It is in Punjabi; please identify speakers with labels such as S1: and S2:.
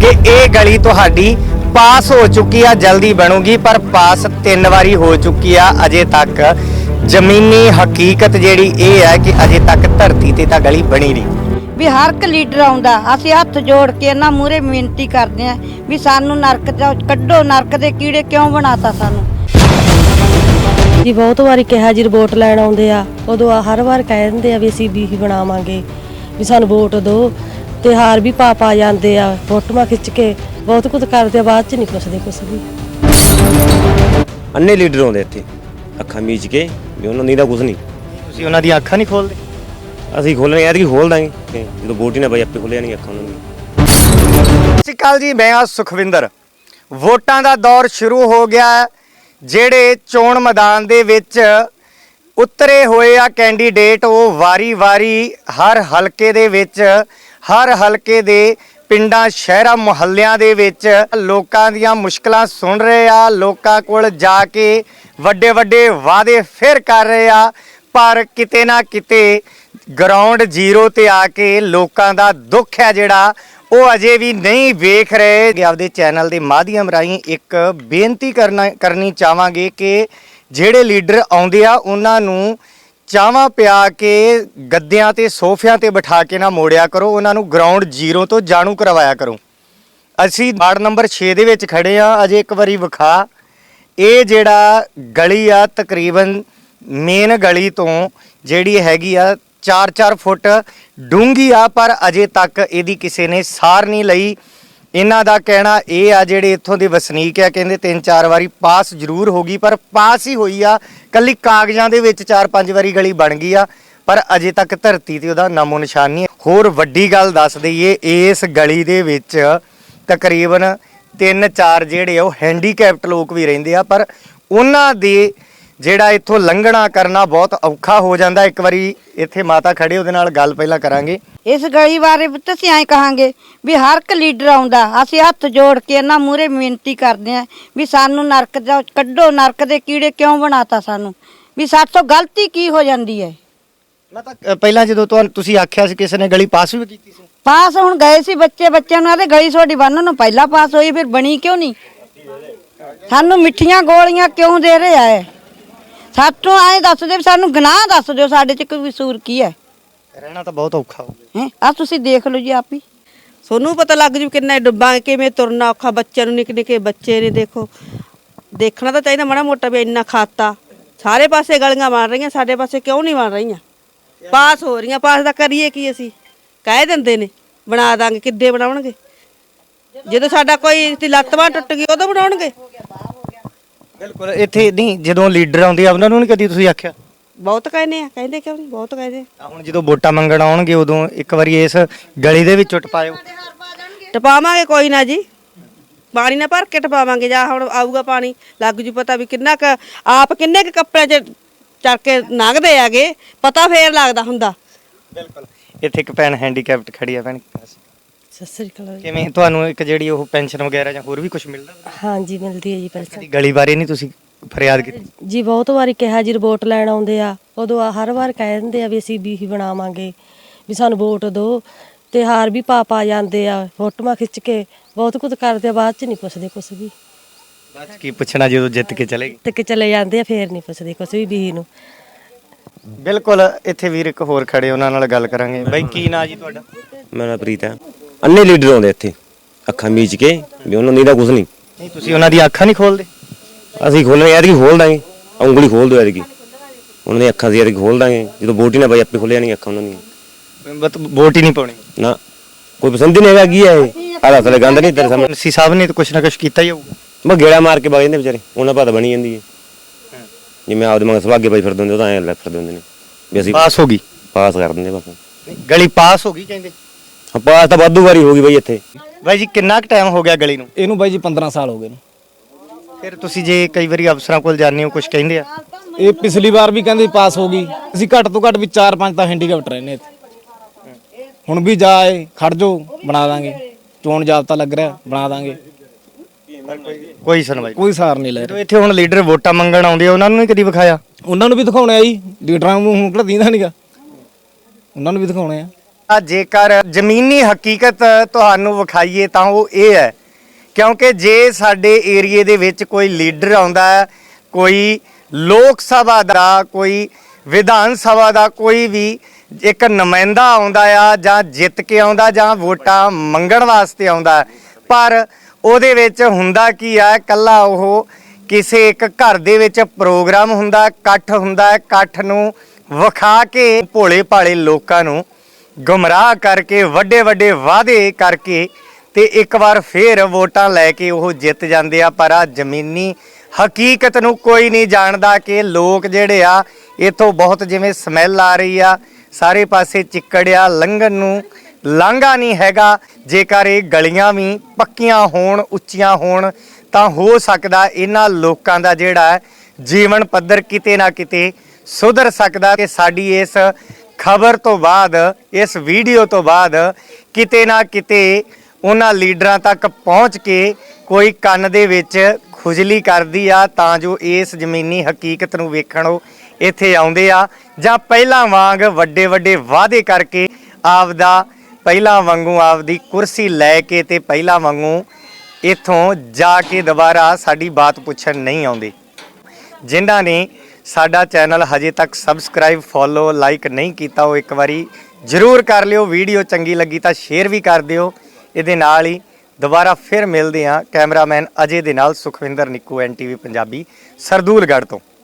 S1: कि ये गली तुहाडी पास हो चुकी है, जल्दी बनूगी, पर पास 3 वारी हो चुकी है। अजे तक जमीनी हकीकत जिहड़ी ये है कि अजे तक धरती ते तां गली बनी नहीं।
S2: ਵੀ ਹਰ ਇੱਕ ਲੀਡਰ ਆਉਂਦਾ, ਅਸੀਂ ਹੱਥ ਜੋੜ ਕੇ ਇਹਨਾਂ ਮੂਹਰੇ ਬੇਨਤੀ ਕਰਦੇ ਆਂ ਵੀ ਸਾਨੂੰ ਨਰਕ ਚੋਂ ਕੱਢੋ, ਨਰਕ ਦੇ ਕੀੜੇ ਕਿਉਂ ਬਣਾਤਾ ਸਾਨੂੰ।
S3: ਜੀ ਬਹੁਤ ਵਾਰੀ ਕਿਹਾ ਜੀ ਵੋਟ ਲੈਣ ਆਉਂਦੇ ਆ, ਉਦੋਂ ਹਰ ਵਾਰ ਕਹਿ ਦਿੰਦੇ ਆ ਵੀ ਅਸੀਂ ਬੀਹੀ ਬਣਾਵਾਂਗੇ, ਵੀ ਸਾਨੂੰ ਵੋਟ ਦਿਓ, ਤੇ ਹਾਰ ਵੀ ਪਾ ਜਾਂਦੇ ਆ, ਫੋਟੋਆਂ ਖਿੱਚ ਕੇ ਬਹੁਤ ਕੁਝ ਕਰਦੇ ਆ, ਬਾਅਦ ਚ ਨਹੀਂ ਪੁੱਛਦੇ ਕੁਛ ਵੀ।
S4: ਅੰਨੇ ਲੀਡਰ ਆਉਂਦੇ ਇੱਥੇ ਅੱਖਾਂ ਮੀਚ ਕੇ ਵੀ ਉਹਨਾਂ ਦੀ ਤਾਂ ਕੁਝ ਨਹੀਂ।
S1: ਤੁਸੀਂ ਉਹਨਾਂ ਦੀਆਂ ਅੱਖਾਂ ਨਹੀਂ ਖੋਲਦੇ?
S4: ਅਸੀਂ ਖੋਲਣੇ ਯਾਰ ਕੀ ਖੋਲ ਦਾਂਗੇ ਜਦੋਂ ਵੋਟ ਹੀ ਨਾ ਬਾਈ ਆਪੇ ਖੋਲ ਜਾਣਗੇ ਅੱਖਾਂ ਉਹਨਾਂ ਦੀਆਂ।
S1: ਸਤਿ ਸ਼੍ਰੀ ਅਕਾਲ ਜੀ, ਮੈਂ ਆ ਸੁਖਵਿੰਦਰ। ਵੋਟਾਂ ਦਾ ਦੌਰ ਸ਼ੁਰੂ ਹੋ ਗਿਆ ਹੈ। ਜਿਹੜੇ ਚੋਣ ਮੈਦਾਨ ਦੇ ਵਿੱਚ ਉਤਰੇ ਹੋਏ ਆ ਕੈਂਡੀਡੇਟ, ਉਹ ਵਾਰੀ-ਵਾਰੀ ਹਰ ਹਲਕੇ ਦੇ ਵਿੱਚ, ਹਰ ਹਲਕੇ ਦੇ ਪਿੰਡਾਂ ਸ਼ਹਿਰਾਂ ਮੁਹੱਲਿਆਂ ਦੇ ਵਿੱਚ ਲੋਕਾਂ ਦੀਆਂ ਮੁਸ਼ਕਲਾਂ ਸੁਣ ਰਹੇ ਆ, ਲੋਕਾਂ ਕੋਲ ਜਾ ਕੇ ਵੱਡੇ ਵਾਅਦੇ ਫਿਰ ਕਰ ਰਹੇ ਆ, ਪਰ ਕਿਤੇ ਨਾ ਕਿਤੇ ਗਰਾਊਂਡ ਜ਼ੀਰੋ ਤੇ ਆ ਕੇ ਲੋਕਾਂ ਦਾ ਦੁੱਖ ਹੈ ਜਿਹੜਾ ਉਹ ਅਜੇ ਵੀ ਨਹੀਂ ਵੇਖ ਰਹੇ। ਕਿ ਆਪਦੇ ਚੈਨਲ ਦੇ ਮਾਧਿਅਮ ਰਾਹੀਂ ਇੱਕ ਬੇਨਤੀ ਕਰਨੀ ਚਾਹਾਂਗੇ ਕਿ ਜਿਹੜੇ ਲੀਡਰ ਆਉਂਦੇ ਆ ਉਹਨਾਂ ਨੂੰ ਚਾਵਾਂ ਪਿਆ ਕੇ ਗੱਦਿਆਂ ਤੇ ਸੋਫਿਆਂ ਤੇ ਬਿਠਾ ਕੇ ਨਾ ਮੋੜਿਆ ਕਰੋ, ਉਹਨਾਂ ਨੂੰ ਗਰਾਊਂਡ ਜ਼ੀਰੋ ਤੋਂ ਜਾਣੂ ਕਰਵਾਇਆ ਕਰੋ। ਅਸੀਂ ਵਾਰਡ ਨੰਬਰ 6 ਦੇ ਵਿੱਚ ਖੜੇ ਆ। ਅਜੇ ਇੱਕ ਵਾਰੀ ਵਿਖਾ, ਇਹ ਜਿਹੜਾ ਗਲੀ ਆ ਤਕਰੀਬਨ ਮੇਨ ਗਲੀ ਤੋਂ ਜਿਹੜੀ ਹੈਗੀ ਆ 4-4 ਫੁੱਟ ਡੂੰਘੀ ਆ, ਪਰ ਅਜੇ ਤੱਕ ਇਹਦੀ ਕਿਸੇ ਨੇ ਸਾਰ ਨਹੀਂ ਲਈ। ਇਹਨਾਂ ਦਾ ਕਹਿਣਾ ਇਹ ਆ, ਜਿਹੜੇ ਇੱਥੋਂ ਦੇ ਵਸਨੀਕ ਆ, ਕਹਿੰਦੇ 3-4 ਵਾਰੀ ਪਾਸ ਜ਼ਰੂਰ ਹੋ ਗਈ, ਪਰ ਪਾਸ ਹੀ ਹੋਈ ਆ, ਕੱਲੀ ਕਾਗਜ਼ਾਂ ਦੇ ਵਿੱਚ 4-5 ਵਾਰੀ ਗਲੀ ਬਣ ਗਈ ਆ, ਪਰ ਅਜੇ ਤੱਕ ਧਰਤੀ ਤੇ ਉਹਦਾ ਨਾਮੋ ਨਿਸ਼ਾਨ ਨਹੀਂ। ਹੋਰ ਵੱਡੀ ਗੱਲ ਦੱਸ ਦਈਏ, ਇਸ ਗਲੀ ਦੇ ਵਿੱਚ ਤਕਰੀਬਨ 3-4 ਜਿਹੜੇ ਉਹ ਹੈਂਡੀਕੈਪਟ ਲੋਕ ਵੀ ਰਹਿੰਦੇ ਆ, ਪਰ ਉਹਨਾਂ ਦੇ ਜਿਹੜਾ ਇੱਥੋਂ ਲੰਘਣਾ ਕਰਨਾ ਬਹੁਤ ਔਖਾ ਹੋ ਜਾਂਦਾ। ਇੱਕ ਵਾਰੀ ਇੱਥੇ ਮਾਤਾ ਖੜੇ, ਉਹਦੇ ਨਾਲ ਗੱਲ ਪਹਿਲਾਂ ਕਰਾਂਗੇ।
S2: ਇਸ ਗਲੀ ਬਾਰੇ ਪੁੱਤ ਅਸੀਂ ਐਂ ਕਹਾਂਗੇ ਵੀ ਹਰ ਇੱਕ ਲੀਡਰ ਆਉਂਦਾ, ਅਸੀਂ ਹੱਥ ਜੋੜ ਕੇ ਇਹਨਾਂ ਮੂਹਰੇ ਬੇਨਤੀ ਕਰਦੇ ਆਂ ਵੀ ਸਾਨੂੰ ਨਰਕ ਚੋਂ ਕੱਢੋ, ਨਰਕ ਦੇ ਕੀੜੇ ਕਿਉਂ ਬਣਾਤਾ ਸਾਨੂੰ, ਵੀ ਸਾਥੋਂ ਗਲਤੀ ਕੀ ਹੋ ਜਾਂਦੀ ਹੈ।
S1: ਮੈਂ ਤਾਂ ਪਹਿਲਾਂ ਜਦੋਂ ਤੁਸੀਂ ਆਖਿਆ ਸੀ ਕਿਸੇ ਨੇ ਗਲੀ ਪਾਸ ਵੀ ਕੀਤੀ ਸੀ।
S2: ਪਾਸ ਹੁਣ ਗਏ ਸੀ ਬੱਚਿਆਂ ਨੂੰ ਆਦੇ ਗਲੀ ਤੁਹਾਡੀ ਬੰਨ੍ਹਣ ਨੂੰ ਪਹਿਲਾਂ ਪਾਸ ਹੋਈ, ਫਿਰ ਬਣੀ ਕਿਉਂ ਨਹੀਂ। ਸਾਨੂੰ ਮਿੱਠੀਆਂ ਗੋਲੀਆਂ ਕਿਉਂ ਦੇ ਰਹੇ ਆ। ਸਾਥੋਂ ਐਂ ਦੱਸ ਦਿਓ, ਸਾਨੂੰ ਗੁਨਾਹ ਦੱਸ ਦਿਓ, ਸਾਡੇ 'ਚ ਕੋਈ ਕਸੂਰ ਕੀ ਹੈ।
S1: ਰਹਿਣਾ ਤਾਂ ਬਹੁਤ ਔਖਾ ਹੋ ਗਿਆ।
S2: ਆ ਤੁਸੀਂ ਦੇਖ ਲਓ ਜੀ ਆਪ ਹੀ,
S5: ਸੋਨੂੰ ਪਤਾ ਲੱਗ ਜੂ ਕਿੰਨਾ ਡੁੱਬਾਂ, ਕਿਵੇਂ ਤੁਰਨਾ ਔਖਾ, ਬੱਚਿਆਂ ਨੂੰ ਨਿੱਕੇ ਬੱਚੇ ਨੇ। ਦੇਖੋ ਦੇਖਣਾ ਤਾਂ ਚਾਹੀਦਾ ਮਾੜਾ ਮੋਟਾ ਵੀ ਇੰਨਾ ਖਾਤਾ। ਸਾਰੇ ਪਾਸੇ ਗਲੀਆਂ ਬਣ ਰਹੀਆਂ, ਸਾਡੇ ਪਾਸੇ ਕਿਉਂ ਨਹੀਂ ਬਣ ਰਹੀਆਂ? ਪਾਸ ਹੋ ਰਹੀਆਂ, ਪਾਸ ਦਾ ਕਰੀਏ ਕੀ? ਅਸੀਂ ਕਹਿ ਦਿੰਦੇ ਨੇ ਬਣਾ ਦਾਂਗੇ, ਕਿੱਦੇ ਬਣਾਉਣਗੇ? ਜਦੋਂ ਸਾਡਾ ਕੋਈ ਲੱਤ ਬਾਂਹ ਟੁੱਟ ਗਈ ਉਦੋਂ ਬਣਾਉਣਗੇ।
S1: ਬਿਲਕੁਲ। ਇੱਥੇ ਨਹੀਂ, ਜਦੋਂ ਲੀਡਰ ਆਉਂਦੇ ਆ ਉਹਨਾਂ ਨੂੰ ਨਹੀਂ ਕਦੀ ਤੁਸੀਂ ਆਖਿਆ?
S5: ਬਹੁਤ ਕਹਿੰਦੇ ਆ, ਕਹਿੰਦੇ ਕਿਉਂ ਨਹੀਂ, ਬਹੁਤ ਕਹਿੰਦੇ ਆ।
S1: ਹੁਣ ਜਦੋਂ ਵੋਟਾਂ ਮੰਗਣ ਆਉਣਗੇ ਉਦੋਂ ਇੱਕ ਵਾਰੀ ਇਸ ਗਲੀ ਦੇ ਵਿੱਚ ਟਪਾਇਓ।
S5: ਟਪਾਵਾਂਗੇ ਕੋਈ ਨਾ ਜੀ, ਪਾਣੀ ਨਾ ਭਰ ਕੇ ਟਪਾਵਾਂਗੇ। ਜਾਂ ਹੁਣ ਆਊਗਾ ਪਾਣੀ, ਲੱਗ ਜੂ ਪਤਾ ਵੀ ਕਿੰਨਾ ਕੁ ਆਪ ਕਿੰਨੇ ਕੁ ਕੱਪੜੇ 'ਚ ਚੱਕ ਕੇ ਲੰਘਦੇ ਆਗੇ, ਪਤਾ ਫੇਰ ਲੱਗਦਾ ਹੁੰਦਾ।
S1: ਬਿਲਕੁਲ। ਇੱਥੇ ਇੱਕ ਭੈਣ ਹੈਂਡੀਕੈਪਟ ਖੜੀ ਆ। ਭੈਣ
S3: ਸਤਿ ਸ੍ਰੀ ਅਕਾਲ।
S1: ਕਿਵੇਂ ਤੁਹਾਨੂੰ ਇੱਕ ਜਿਹੜੀ ਉਹ ਪੈਨਸ਼ਨ ਵਗੈਰਾ ਜਾਂ ਹੋਰ ਵੀ ਕੁਝ ਮਿਲਦਾ?
S3: ਹਾਂਜੀ ਮਿਲਦੀ ਹੈ ਜੀ ਪੈਨਸ਼ਨ।
S1: ਗਲੀ ਬਾਰੇ ਨਹੀਂ ਤੁਸੀਂ ਫਰਿਆਦ ਕੀਤੀ?
S3: ਜੀ ਬਹੁਤ ਵਾਰੀ ਕਿਹਾ ਜੀ ਵੋਟ ਲੈਣ ਆਉਂਦੇ ਆ, ਉਦੋਂ ਹਰ ਵਾਰ ਕਹਿ ਦਿੰਦੇ ਆ ਵੀ ਅਸੀਂ ਬੀਹੀ ਬਣਾਵਾਂਗੇ, ਵੀ ਸਾਨੂੰ ਵੋਟ ਦਿਓ, ਤੇ ਹਾਰ ਵੀ ਪਾ ਜਾਂਦੇ ਆ, ਫੋਟੋਆਂ ਖਿੱਚ ਕੇ ਬਹੁਤ ਕੁਝ ਕਰਦੇ ਆ, ਬਾਅਦ ਚ ਨਹੀਂ ਪੁੱਛਦੇ ਕੁਛ ਵੀ।
S1: ਬਾਅਦ ਕੀ ਪੁੱਛਣਾ ਜਦੋਂ ਜਿੱਤ ਕੇ ਚਲੇ ਗਏ?
S3: ਤੇ ਕਿ ਚਲੇ ਜਾਂਦੇ ਆ, ਫੇਰ ਨਹੀਂ ਪੁੱਛਦੇ ਕੁਛ ਵੀ ਬੀਹੀ ਨੂੰ।
S1: ਬਿਲਕੁਲ। ਇੱਥੇ ਵੀਰ ਇੱਕ ਹੋਰ ਖੜੇ, ਉਹਨਾਂ ਨਾਲ ਗੱਲ ਕਰਾਂਗੇ। ਬਾਈ ਕੀ ਨਾਂ ਜੀ ਤੁਹਾਡਾ?
S4: ਮੇਰਾ ਪ੍ਰੀਤ ਹੈ। ਅੰਨੇ ਲੀਡਰ ਆਉਂਦੇ ਇੱਥੇ ਅੱਖਾਂ ਮੀਚ ਕੇ ਵੀ ਉਹਨਾਂ ਦੀ ਤਾਂ ਕੁਝ ਨਹੀਂ।
S1: ਨਹੀਂ, ਤੁਸੀਂ ਉਹਨਾਂ ਦੀਆਂ ਅੱਖਾਂ ਨਹੀਂ ਖੋਲਦੇ?
S4: ਅਸੀਂ ਖੋਲਣੇ ਯਾਰ ਕੀ ਖੋਲ ਦਾਂਗੇ, ਉਂਗਲੀ ਖੋਲ ਦਿਓ ਯਾਰ ਕੀ ਉਹਨਾਂ ਦੀਆਂ ਅੱਖਾਂ ਦੀ, ਯਾਰ ਖੋਲ ਦਾਂਗੇ ਜਦੋਂ ਵੋਟ ਹੀ ਨਾ ਬਾਈ ਆਪੇ ਖੋਲ ਜਾਣਗੀਆਂ ਅੱਖਾਂ ਉਹਨਾਂ ਦੀਆਂ।
S1: ਵੋਟ ਹੀ ਨਹੀਂ ਪਾਉਣੀ
S4: ਨਾ, ਕੋਈ ਪਸੰਦ ਹੀ ਨਹੀਂ ਹੈਗਾ। ਕੀ ਹੈ ਇਹ ਆਹ ਅਸਲੇ ਗੰਦ ਨਹੀਂ ਤੇਰੇ ਸਾਹਮਣੇ।
S1: ਸੀ ਸਾਹਿਬ ਨੇ ਤਾਂ ਕੁਛ ਨਾ ਕੁਛ ਕੀਤਾ ਹੀ ਹੋਊਗਾ।
S4: ਮੈਂ ਗੇੜਾ ਮਾਰ ਕੇ ਵਗ ਜਾਂਦੇ ਵਿਚਾਰੇ, ਉਹਨਾਂ ਪਤਾ ਬਣੀ ਜਾਂਦੀ ਹੈ। ਜਿਵੇਂ ਆਪਦੇ ਮੰਗ ਸੁਭਾਗੇ ਬਾਈ ਫਿਰਦੇ ਹੁੰਦੇ, ਉਹ ਤਾਂ ਐਂ ਲੈ ਫਿਰਦੇ ਹੁੰਦੇ ਨੇ ਵੀ ਅਸੀਂ
S1: ਪਾਸ ਹੋ ਗਈ।
S4: ਪਾਸ ਕਰ ਦਿੰਦੇ ਬਸ।
S1: ਗਲੀ ਪਾਸ ਹੋ ਗਈ ਕਹਿੰਦੇ?
S4: ਹਾਂ, ਪਾਸ ਤਾਂ ਵਾਧੂ ਵਾਰੀ ਹੋ ਗਈ ਬਾਈ ਇੱਥੇ।
S1: ਬਾਈ ਜੀ ਕਿੰਨਾ ਕੁ ਟਾਈਮ ਹੋ ਗਿਆ ਗਲੀ ਨੂੰ?
S6: ਇਹਨੂੰ ਬਾਈ ਜੀ 15 ਸਾਲ ਹੋ ਗਏ ਨੇ।
S1: ਫਿਰ ਤੁਸੀਂ ਜੇ ਕਈ ਵਾਰੀ ਅਫਸਰਾਂ ਕੋਲ ਜਾਂਦੇ ਹੋ, ਕੁਝ ਕਹਿੰਦੇ ਆ?
S6: ਇਹ ਪਿਛਲੀ ਵਾਰ ਵੀ ਕਹਿੰਦੇ ਪਾਸ ਹੋ ਗਈ। ਅਸੀਂ ਘੱਟ ਤੋਂ ਘੱਟ ਵੀ 4-5 ਤਾਂ ਹੈਂਡੀਕੈਪਟ ਰਹੇ ਨੇ ਇੱਥੇ। ਹੁਣ ਵੀ ਜਾਏ ਖੜ ਜਾਓ, ਬਣਾ ਦਾਂਗੇ। ਚੋਣ ਜਾਬਤਾ ਲੱਗ ਰਿਹਾ, ਬਣਾ ਦਾਂਗੇ।
S1: ਕੋਈ ਸੁਣਵਾਈ,
S6: ਕੋਈ ਸਾਰ ਨਹੀਂ ਲੈ ਰਹੇ।
S1: ਇੱਥੇ ਹੁਣ ਲੀਡਰ ਵੋਟਾਂ ਮੰਗਣ ਆਉਂਦੇ ਆ, ਉਹਨਾਂ ਨੂੰ ਨਹੀਂ ਕਦੀ ਵਿਖਾਇਆ?
S6: ਉਹਨਾਂ ਨੂੰ ਵੀ ਦਿਖਾਉਣਾ ਜੀ, ਲੀਡਰਾਂ ਨੂੰ ਹੁਣ ਕਿਹੜਾ ਦੀਂਦਾ ਨਹੀਂਗਾ, ਉਹਨਾਂ ਨੂੰ ਵੀ ਦਿਖਾਉਣੇ ਆ।
S1: ਜੇਕਰ ਜ਼ਮੀਨੀ ਹਕੀਕਤ ਤੁਹਾਨੂੰ ਵਿਖਾਈਏ ਤਾਂ ਉਹ ਇਹ ਹੈ, ਕਿਉਂਕਿ ਜੇ ਸਾਡੇ ਏਰੀਏ ਦੇ ਵਿੱਚ ਕੋਈ ਲੀਡਰ ਆਉਂਦਾ ਹੈ, ਕੋਈ ਲੋਕ ਸਭਾ ਦਾ, ਕੋਈ ਵਿਧਾਨ ਸਭਾ ਦਾ ਕੋਈ ਵੀ ਇੱਕ ਨੁਮਾਇੰਦਾ ਆਉਂਦਾ ਆ, ਜਾਂ ਜਿੱਤ ਕੇ ਆਉਂਦਾ ਜਾਂ ਵੋਟਾਂ ਮੰਗਣ ਵਾਸਤੇ ਆਉਂਦਾ, ਪਰ ਉਹਦੇ ਵਿੱਚ ਹੁੰਦਾ ਕੀ ਆ, ਕੱਲਾ ਉਹ ਕਿਸੇ ਇੱਕ ਘਰ ਦੇ ਵਿੱਚ ਪ੍ਰੋਗਰਾਮ ਹੁੰਦਾ, ਇਕੱਠ ਹੁੰਦਾ, ਇਕੱਠ ਨੂੰ ਵਿਖਾ ਕੇ ਭੋਲੇ ਭਾਲੇ ਲੋਕਾਂ ਨੂੰ ਗੁੰਮਰਾਹ ਕਰਕੇ ਵੱਡੇ ਵੱਡੇ ਵਾਅਦੇ ਕਰਕੇ ਤੇ ਇੱਕ ਵਾਰ ਫੇਰ ਵੋਟਾਂ ਲੈ ਕੇ ਉਹ ਜਿੱਤ ਜਾਂਦੇ ਆ। ਪਰ ਆ ਜ਼ਮੀਨੀ ਹਕੀਕਤ ਨੂੰ ਕੋਈ ਨਹੀਂ ਜਾਣਦਾ ਕਿ ਲੋਕ ਜਿਹੜੇ ਆ ਇੱਥੋਂ ਬਹੁਤ ਜਿਵੇਂ ਸਮੈਲ ਆ ਰਹੀ ਆ, ਸਾਰੇ ਪਾਸੇ ਚਿੱਕੜ ਆ, ਲੰਘਣ ਨੂੰ ਲਾਂਘਾ ਨਹੀਂ ਹੈਗਾ। ਜੇਕਰ ਇਹ ਗਲੀਆਂ ਵੀ ਪੱਕੀਆਂ ਹੋਣ, ਉੱਚੀਆਂ ਹੋਣ ਤਾਂ ਹੋ ਸਕਦਾ ਇਹਨਾਂ ਲੋਕਾਂ ਦਾ ਜਿਹੜਾ ਜੀਵਨ ਪੱਧਰ ਕਿਤੇ ਨਾ ਕਿਤੇ ਸੁਧਰ ਸਕਦਾ। ਕਿ ਸਾਡੀ ਇਸ ਖਬਰ ਤੋਂ ਬਾਅਦ, ਇਸ ਵੀਡੀਓ ਤੋਂ ਬਾਅਦ ਕਿਤੇ ਨਾ ਕਿਤੇ ਉਹਨਾਂ ਲੀਡਰਾਂ ਤੱਕ ਪਹੁੰਚ ਕੇ ਕੋਈ ਕੰਨ ਦੇ ਵਿੱਚ ਖੁਜਲੀ ਕਰਦੀ ਆ, ਤਾਂ ਜੋ ਇਸ ਜ਼ਮੀਨੀ ਹਕੀਕਤ ਨੂੰ ਵੇਖਣ ਉਹ ਇੱਥੇ ਆਉਂਦੇ ਆ, ਜਾਂ ਪਹਿਲਾਂ ਵਾਂਗ ਵੱਡੇ ਵੱਡੇ ਵਾਅਦੇ ਕਰਕੇ ਆਪਦਾ ਪਹਿਲਾਂ ਵਾਂਗੂ ਆਪਦੀ ਕੁਰਸੀ ਲੈ ਕੇ ਤੇ ਪਹਿਲਾਂ ਵਾਂਗੂ ਇੱਥੋਂ ਜਾ ਕੇ ਦੁਬਾਰਾ ਸਾਡੀ ਬਾਤ ਪੁੱਛਣ ਨਹੀਂ ਆਉਂਦੇ। ਜਿਨ੍ਹਾਂ ਨੇ ਸਾਡਾ ਚੈਨਲ ਹਜੇ ਤੱਕ ਸਬਸਕ੍ਰਾਈਬ, ਫੋਲੋ, ਲਾਈਕ ਨਹੀਂ ਕੀਤਾ, ਉਹ ਇੱਕ ਵਾਰੀ ਜ਼ਰੂਰ ਕਰ ਲਿਓ। ਵੀਡੀਓ ਚੰਗੀ ਲੱਗੀ ਤਾਂ ਸ਼ੇਅਰ ਵੀ ਕਰ ਦਿਓ। ਇਹਦੇ ਨਾਲ ਹੀ ਦੁਬਾਰਾ ਫਿਰ ਮਿਲਦੇ ਹਾਂ ਕੈਮਰਾਮੈਨ ਅਜੇ ਦੇ ਨਾਲ, ਸੁਖਵਿੰਦਰ ਨਿੱਕੂ, NTV ਪੰਜਾਬੀ, ਸਰਦੂਲਗੜ੍ਹ ਤੋਂ।